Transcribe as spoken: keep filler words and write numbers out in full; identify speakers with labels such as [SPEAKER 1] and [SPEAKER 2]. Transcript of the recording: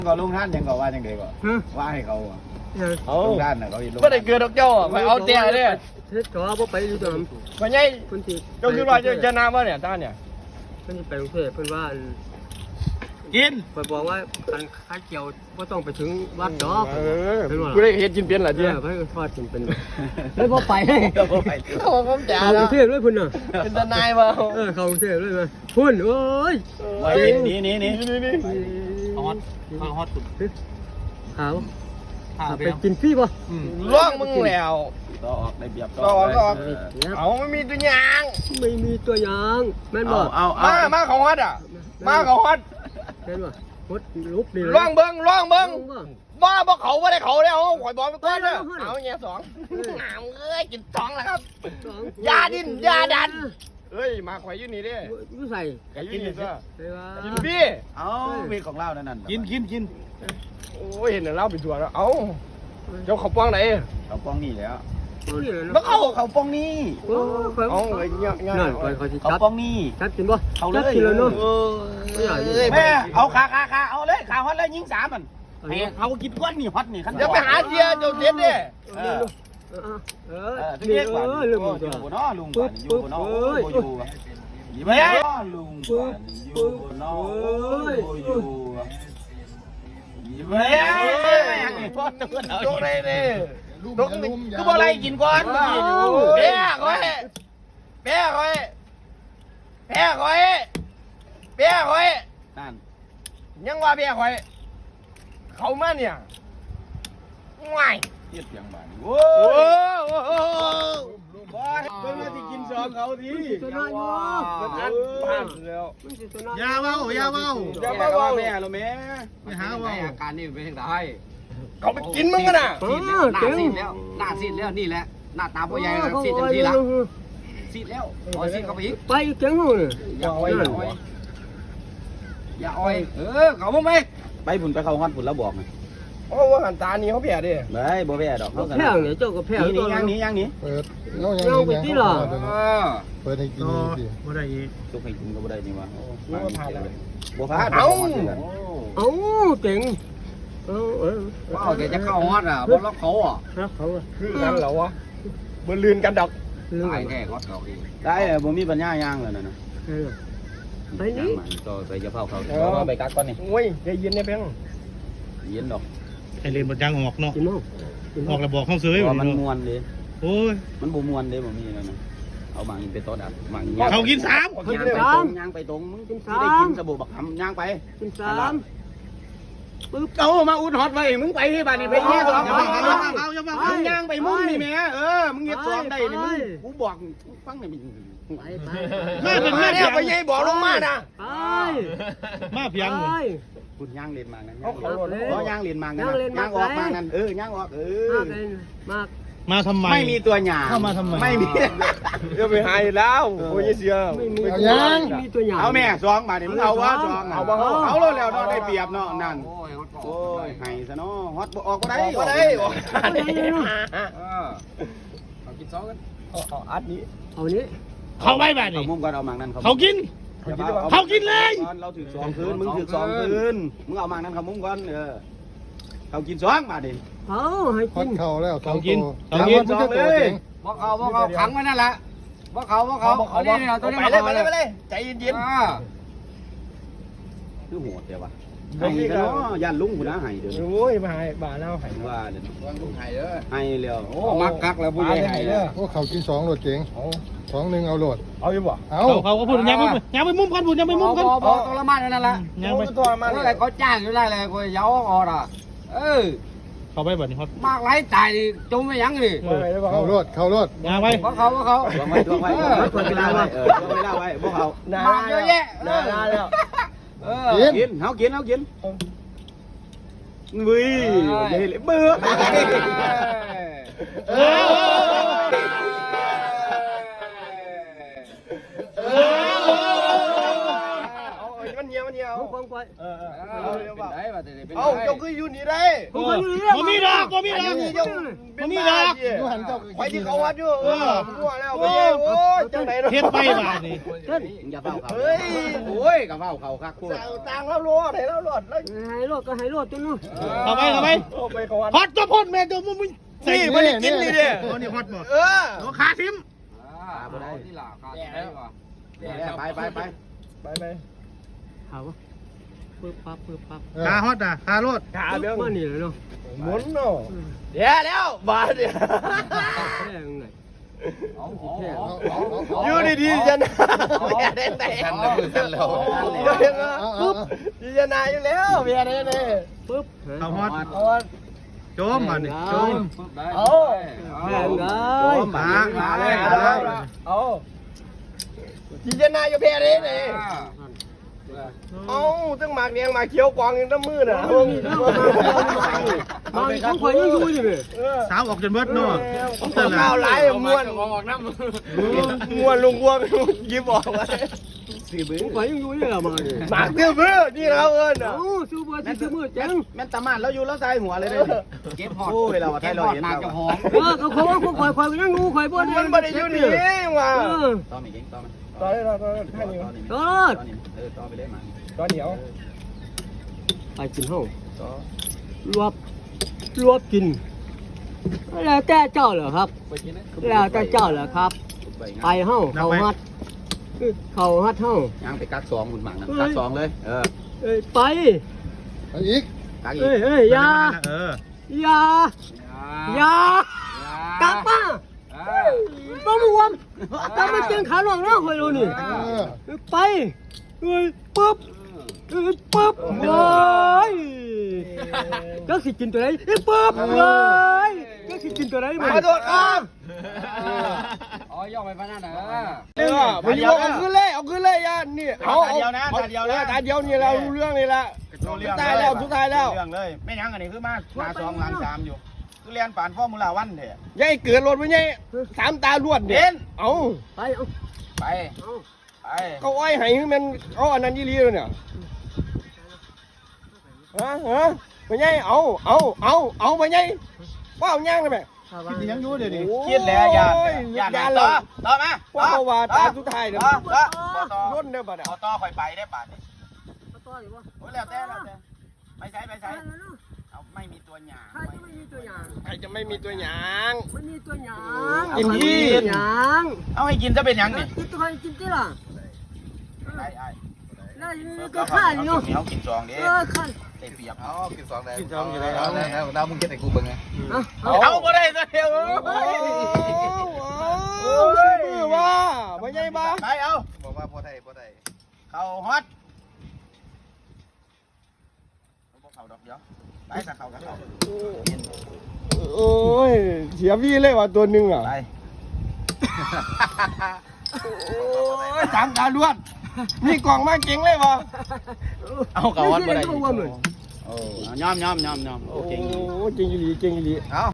[SPEAKER 1] ก็ลุงท่านยังก็ว่าจังเด็กก็ว่าให้เขาลุงท่านน่ะเขา
[SPEAKER 2] ไม่ได้เกิดดอกเจ้าไปเอาเตี้ยเนี่ย
[SPEAKER 3] เฮ็ดก็บ่ไปอยู่ตรงนั้น
[SPEAKER 2] มันไงเจ้าคือว่าจะนาว่าเนี่ยตาเนี่ย
[SPEAKER 3] เพิ่นไปกรุงเทพเพิ่นว่า
[SPEAKER 1] กิน
[SPEAKER 3] เพิ่นบอกว่าการค้าเกี่ยวบ่ต้องไปถึงวัดดอก
[SPEAKER 2] เออกูได้เฮ็ดกินเป็นล่ะเจ้า
[SPEAKER 3] เพิ่นทอดกินเป็นเลยบ่ไป
[SPEAKER 2] บ่ไปเขาผมจ๋า
[SPEAKER 3] เข้ากรุงเทพเลยเพิ่นน่ะ
[SPEAKER 2] เป็นทนายบ่
[SPEAKER 3] เออเข้ากรุงเทพเลยมาพุ่นโอ้ย
[SPEAKER 1] นี่นี่นี่
[SPEAKER 2] นี่
[SPEAKER 1] ฮอตฮอตสุด
[SPEAKER 3] ขาวไปกินฟรีป่ะ
[SPEAKER 2] ล่องมึงแล้ว
[SPEAKER 1] ต่อออกได้เบียบ
[SPEAKER 2] ต่อออกเอาไม่มีตัวยาง
[SPEAKER 3] ไม่มีตัวยางแม่นบ่
[SPEAKER 1] เอา
[SPEAKER 2] มามาเขาฮอตอ่ะมาเขาฮอต
[SPEAKER 3] แม่นบ่ฮอตลุกนี่
[SPEAKER 2] ล่องเบิ้งล่องเบิ้งว่าบ่เขาบ่ได้เขาแล้วข่อยบอกไปก่อนเด้อเอาแง่สองน้ำเอ้ยกินสองแล้วครับยาดินยาดันเอ้ยมาข่อยอยู่นี่ดิ
[SPEAKER 3] อยู่ใส่
[SPEAKER 2] แกอยู่นี่ซะกินพี่
[SPEAKER 1] เอามีของเล่านั่น
[SPEAKER 2] กินกินกินโอ้ยเห็นเล่าเป็นตัวแล้วเอ้าเจ้าเขาป้องไหน
[SPEAKER 1] เขาป้องนี่แล้ว
[SPEAKER 2] แล้วเขา
[SPEAKER 1] เขาป้องนี่
[SPEAKER 2] เอาเลยเงี้ยเงี้ย
[SPEAKER 1] เขาป้องนี่
[SPEAKER 3] ชัดกินป่ะ
[SPEAKER 1] เขาเลย
[SPEAKER 3] กินแล้วเนาะ
[SPEAKER 1] แม่เอาขาขาขาเอาเลยขาฮอตเลยยิงสามมันเขากินก้อนนี่ฮอตนี่ขัน
[SPEAKER 2] จะไปหาเทียเจ้าเด็ดดิ
[SPEAKER 3] เออเออ
[SPEAKER 1] เรียกว่าลุงอยู่บนน้อลุงบ้านอยู่บนน้ออยู่ยี่ไม่ลุงบ้านอยู่บนน้ออยู่ยี่ไม่พ่อตัวเราตรงไหนนี่ตรงนี้ก็บ่อะไรกินก่อนเบี้ยคอยเบี้ยคอยเบี้ยคอยเบี้ยคอยนั่นยังว่าเบี้ยคอยเขามาเนี่ยง่ายเทียบอย่างบ้านโอ้โหบอยเพิ่งมาที่กินซองเขาทีมันอันผ่านแล้วยาเว้ายาเว้ายาเว้าแม่เราแม่ไม่หาเว้าอาการนี่เป็นยังไง
[SPEAKER 2] เขาไปกินมึงกันน่ะ
[SPEAKER 1] หน้าซีดแล้วหน้าซีดแล้วนี่แหละหน้าตาพ่อใหญ่ซีดจังทีละซีดแล้วอ๋อซีดเขาไปอีก
[SPEAKER 3] ไปเก่งเลย
[SPEAKER 1] อย่าอ้อยอย่าอ้อยเออเขาบ่ไปไปผุนไปเขาฮอดผุนแล้วบอกไง
[SPEAKER 2] เพราะว่าหันตานี่เขาแพ้ดิ
[SPEAKER 1] ไม่บ่แพ้ดอกเขา
[SPEAKER 3] แพ้เนี่ยเจ้าก็แพ้
[SPEAKER 1] นี่ย่างนี้ย่างนี้
[SPEAKER 4] เปิดเงาย่
[SPEAKER 3] างไปที่หรอ
[SPEAKER 4] เปิดให้กินดิ
[SPEAKER 1] บ่ได้อีกทุกให้กินก็บ่ได้นี่วะบ่ผ่านแล้วบ่
[SPEAKER 2] ผ่านเอ้า
[SPEAKER 3] เอ้าเจ๋งเออเออ
[SPEAKER 1] ว้าวแกจะเข้าฮอดอ่ะบ่ล็อกเขาอ่ะ
[SPEAKER 3] ล็อกเขาอ่ะ
[SPEAKER 2] คือนั่นเหรอวะบ่ลื่นกันดอก
[SPEAKER 1] ได้แค่ฮอดเขาเองได้บ่มีปัญญาย่างแล้วนั่นน่ะ
[SPEAKER 3] ไปนี่
[SPEAKER 1] ก็ไปจะเผาเขาเอาไปกักก่อนนี่
[SPEAKER 2] โอ้ยใจเย็นเนี่ยเพียง
[SPEAKER 1] เย็นดอก
[SPEAKER 4] ไอเลนบดยางออกเนาะออกระบอกเข้าซื้อ
[SPEAKER 1] มันมวนเลย
[SPEAKER 4] โอ้ย
[SPEAKER 1] มันบ่มวนเลยบ่มีแล้วนะเอาบางไปต้นอัดบาง
[SPEAKER 4] เขากินสาม
[SPEAKER 1] ย่างไปตรงย่างไปตรงมึงได้กินสบู่บักหำย่างไป
[SPEAKER 3] กินสาม
[SPEAKER 1] ปึ๊บเอามาอุดฮอตไว้มึงไปที่บ้านนี่ไปเงี้ยสองเอาเอาอย่ามามึงย่างไปมึงนี่แม่เออมึงเงี้ยสองได้นี่มึงกูบอกฟังนี่
[SPEAKER 3] ไปไป
[SPEAKER 2] แม่เป็นแม่เนี่ยไปยัยบอกลงมานะ
[SPEAKER 3] ไป
[SPEAKER 4] มาเพียง
[SPEAKER 1] คุณย่างเรียนมางั้นเขาย่างเรียนมางั้นย่างออกมางั้นเออย่างออกเออ
[SPEAKER 3] มาก
[SPEAKER 4] มาทำไม
[SPEAKER 1] ไม่มีตัวหยา
[SPEAKER 4] เข้ามาทำไม
[SPEAKER 1] ไม่มี
[SPEAKER 2] จะไปหายแล้วโอ้ยเสีย
[SPEAKER 3] ไม่มีตัวหยา
[SPEAKER 1] เอาแม่ซองมาเนี่ยมึงเอาวะซองเอาเอาแล้วแล้วเนาะได้เปรียบเนาะนั่นโอ้ยไห้ซะเนาะฮอตออกก็ได้
[SPEAKER 2] ก็ได้ออกได้
[SPEAKER 1] เอากินซองกัน
[SPEAKER 2] เอาอัดนี้
[SPEAKER 3] เอานี้
[SPEAKER 4] เขาไว้แบบนี้
[SPEAKER 1] มุมก่อนเอามังนั่น
[SPEAKER 4] เขากินเขากินเลย
[SPEAKER 1] เราถือสองคืนมึงถือสองคืนมึงเอามังนั่นเขามุมก่อนเออเขากินซองมาดิ
[SPEAKER 3] เขาให้กิน
[SPEAKER 4] เขาแล้วเขากินเขากิน
[SPEAKER 1] ซองเลยบอกเขาบอกเขาขังไว้นั่นแหละบอกเขาบอกเขาเอาเนี่ยตัวนี้
[SPEAKER 2] ไปเลยไปเลยไปเลยใจเย็น
[SPEAKER 1] ๆคือโหดเดี๋ยววะไห้กันเนาะย่านลุงกูนะไห้เดี๋ยว
[SPEAKER 2] โอ้ยมาไห้บ้าแล้วไห้
[SPEAKER 1] ว่าเดี๋ยววางลุงไห้เด้อไห้เร็วโอ้มักกักแล้วผู้ใหญ่ไห้เด้อ
[SPEAKER 4] โอ้เขากินสองโหลดเจ๋งสองหนึ่งเอาโหลด
[SPEAKER 2] เอาอยู่บ่
[SPEAKER 4] เอาเขาก็พูดยังไม่ยังไม่มุมกันพูดยังไม่มุมกัน
[SPEAKER 1] พอตัวละมันนั่นแหละ
[SPEAKER 2] ยังไม่ตัวละมัน
[SPEAKER 1] อะไรเขาจ้างอยู่ได้เลยกูเย้าออดอ่ะเออ
[SPEAKER 4] เขาไปแบบนี้เขา
[SPEAKER 1] มากไรตายดิจมไม่ยั้งดิ
[SPEAKER 4] เขาโหลดเขาโหลด
[SPEAKER 1] ยังไปเพราะเขาเพราะเขาลงไว้ลงไว้ลงเวลาไว้เออลงเวลาไว้พวกเขามาเยอะแยะ
[SPEAKER 2] นาแล้ว
[SPEAKER 1] เออกินเขากินเขากินวิ่งเฮ้ยเบื่อ
[SPEAKER 2] มันเยี่ยมันเยี่ย
[SPEAKER 3] ควงคว
[SPEAKER 1] เออเออ
[SPEAKER 2] เป็นไรวะแต่เป็นไรเอ้าเจ้าคืออยู่นี่ได้
[SPEAKER 3] ผมก็อยู่นี่
[SPEAKER 4] บ่มีดอกบ่มีดอก
[SPEAKER 2] เจ้าเป็นบ้าไปที่เขาวัดอยู่เออมั่วแล้วไปโอ้ยจังไหน
[SPEAKER 4] เฮ็ดไปบาดนี่
[SPEAKER 2] อย่าเฝ้าเขาเฮ้ยโอ้ยกับเฝ้าเขาคักพูดต่างแล้วรอดให้แล้วรอดแล้ว
[SPEAKER 3] หายโรคก็หายโรคจนนู้น
[SPEAKER 4] เข้าไปเข้าไป
[SPEAKER 2] ไปเขาวัด
[SPEAKER 4] ฮอตตัวพ่นแม่ตัวมึงมึง
[SPEAKER 2] นี่ไม่ได้กินนี่เด้
[SPEAKER 4] โอ้นี่ฮอตบ่
[SPEAKER 2] เออ
[SPEAKER 4] โอ้ขาทิ่ม
[SPEAKER 2] บ่ได้ที่หล่าไปไปไปไปไป
[SPEAKER 3] หาวะปึ๊บปั๊บปึ๊บปั๊บ
[SPEAKER 4] ขาฮอตอ่ะขาโลด
[SPEAKER 2] ขาเบี้ย
[SPEAKER 3] มานี่เลยเนาะ
[SPEAKER 2] หมุนเนาะเดี๋ยวแล้วบาดเนี่ย
[SPEAKER 3] แค่ยังไง
[SPEAKER 2] อยู่ดีๆจะนะเบียร์ได้แต่ปุ๊บดีจะนาอยู่แล้วเบียร์ได้เลย
[SPEAKER 3] ปึ๊บ
[SPEAKER 4] เขาฮอต
[SPEAKER 2] เอา
[SPEAKER 4] โจมบาดนี่โจม
[SPEAKER 2] เอา
[SPEAKER 3] แข่งไง
[SPEAKER 4] มามาเลย
[SPEAKER 2] เอาดีจะนาอยู่เบียร์ได้เลยเอาตั้งหมากแดงหมากเขียวกวางยังตั้งมือน่ะ
[SPEAKER 3] บางของข่อยยังอยู่อยู่เลย
[SPEAKER 4] สาวออกจนเบิดเนาะ
[SPEAKER 2] ข้าวไหลม้วนม้วนลุงวัวยิบออกมา
[SPEAKER 3] ของข่อยยังอยู่นี่แหละมาเนี่ย
[SPEAKER 2] หมากเตี้ยมือนี่เราเอิญอ่ะ
[SPEAKER 3] โอ้ซื้อบัวซื้อมือจัง
[SPEAKER 1] แม่นตามันแล้วอยู่แล้วใส่หัวเลยเด้เก็บหอดโอ้ยเราไทยเราเห็นเรา
[SPEAKER 3] เออเขาเขาของข่อยข่อยยังงูข่อยบัว
[SPEAKER 2] มันไม่ได้อยู่นี่ว่ะ
[SPEAKER 3] เออ
[SPEAKER 1] ต่อไม่เก่งต่อมัน
[SPEAKER 2] ตอนนี้เราตอนนี้
[SPEAKER 3] ตอด
[SPEAKER 1] เออต่อไปเลยมา
[SPEAKER 2] ตอนเดียว
[SPEAKER 3] ไปกินห้องรวบรวบกินแล้วแต่เจ้าเหรอครับแล้วแต่เจ้าเหรอครับไปห้องเขาฮัดเขาฮัดห้อง
[SPEAKER 1] ยังไปกักสองคุณหมังนะกักสองเลยเออ
[SPEAKER 3] เอ้ยไป
[SPEAKER 2] อีก
[SPEAKER 1] กักอี
[SPEAKER 3] เอ้ย
[SPEAKER 1] ก
[SPEAKER 3] เอ้ยอยา
[SPEAKER 4] เออ
[SPEAKER 3] อยาอยากลับมาต้องรวมต้องมาเจียงขาหลวงนะคอยดูนี่ไปเอ้ยปุ๊บเอ้ยปุ๊บเฮ้ยก็สิกินตัวไหนเอ้ยปุ๊บเฮ้ยก็สิกินตัวไหนมา
[SPEAKER 2] ขอโทษครับ
[SPEAKER 1] อ๋อย่อไปพนันนะ
[SPEAKER 2] เออไปยกเอาขึ้นเลยเอาขึ้นเลยย่านี่เอาตาเดียวนะตาเดียวนะตาเดียวนี่เรารู้เรื่องนี่ละสุดท้ายแล้วสุดท้ายแล้ว
[SPEAKER 1] เรื่องเลยไม่ยังอันนี้คือมาหน้าสองหลังสามอยู่คือเรียนป่านฟอร์มูล่าวันเถอะ
[SPEAKER 2] ยายเกิดรถไปยัยสามตาลวดเด่นเอา
[SPEAKER 3] ไปเอา
[SPEAKER 1] ไป
[SPEAKER 3] เอา
[SPEAKER 1] ไป
[SPEAKER 2] เขาอ้อยให้มันเอาอันนั้นยี่ลีเลยเนี่ยฮะฮะไปยัยเอาเอาเอาเอาไปยัยว่าเอาย่างเลยไหม
[SPEAKER 4] ยังอยู่เดี๋ยวนี้
[SPEAKER 1] คิดแล้วอย่าอย่าต่อต่อมา
[SPEAKER 2] ว่าเขาว่าตาสุดท้ายเนี่ย
[SPEAKER 1] ต่อต่อต่อ
[SPEAKER 2] รุ่นเนี่ยบัดอ่ะ
[SPEAKER 1] ต่อต่อคอยไปได้ป่านนี้
[SPEAKER 3] ต่ออยู่วะ
[SPEAKER 1] โอ้ยแล้วแต่แล้วแต่ไปใช้ไปใช้เอาไม่มีตัวหยา
[SPEAKER 3] ใครจะไม่มีตัวอย่าง
[SPEAKER 2] ใครจะไม่มีตัวหยาง
[SPEAKER 3] ไม่มีตัวอย่าง
[SPEAKER 2] กินที่
[SPEAKER 3] อย่าง
[SPEAKER 1] เอาให้กินจะเป็นยังนี่
[SPEAKER 3] กินตัวใครกินที่ล่ะ
[SPEAKER 1] ไอ้ไอ้
[SPEAKER 3] แล้วก็ข้าอยู่
[SPEAKER 1] เขากินซองดิ
[SPEAKER 3] เออข้า
[SPEAKER 1] ได้เปรียบ
[SPEAKER 5] เอากินสองได้กินสองอยู่เลยเอาเลยเอาเรามึงเก็บไอ้กูเบิ่งไง
[SPEAKER 3] เอา
[SPEAKER 1] เอาบ่ได้ซะเดียว
[SPEAKER 2] โอ้ยว่าไปยัยบ้า
[SPEAKER 1] ไปเอา
[SPEAKER 5] บอกว่าพอได้พอได้
[SPEAKER 1] เขาฮอตเขาดอกเดียวไปกับเขากับเขา
[SPEAKER 2] โอ้ยเสียพี่เลยว่ะตัวหนึ่งอ่ะ
[SPEAKER 1] ไป
[SPEAKER 2] โอ้ยสามตาล้วนมีกล่องมาเก่งเลยวะ
[SPEAKER 1] เอาเขาฮอตบ่ได้
[SPEAKER 3] ไม่ใช่ตัวอ้วนเหมือน
[SPEAKER 1] โอ้ยอมยอมยอมยอมโอเค
[SPEAKER 2] โอ้เก่งอีหลีเก่งอีหลี
[SPEAKER 5] เอา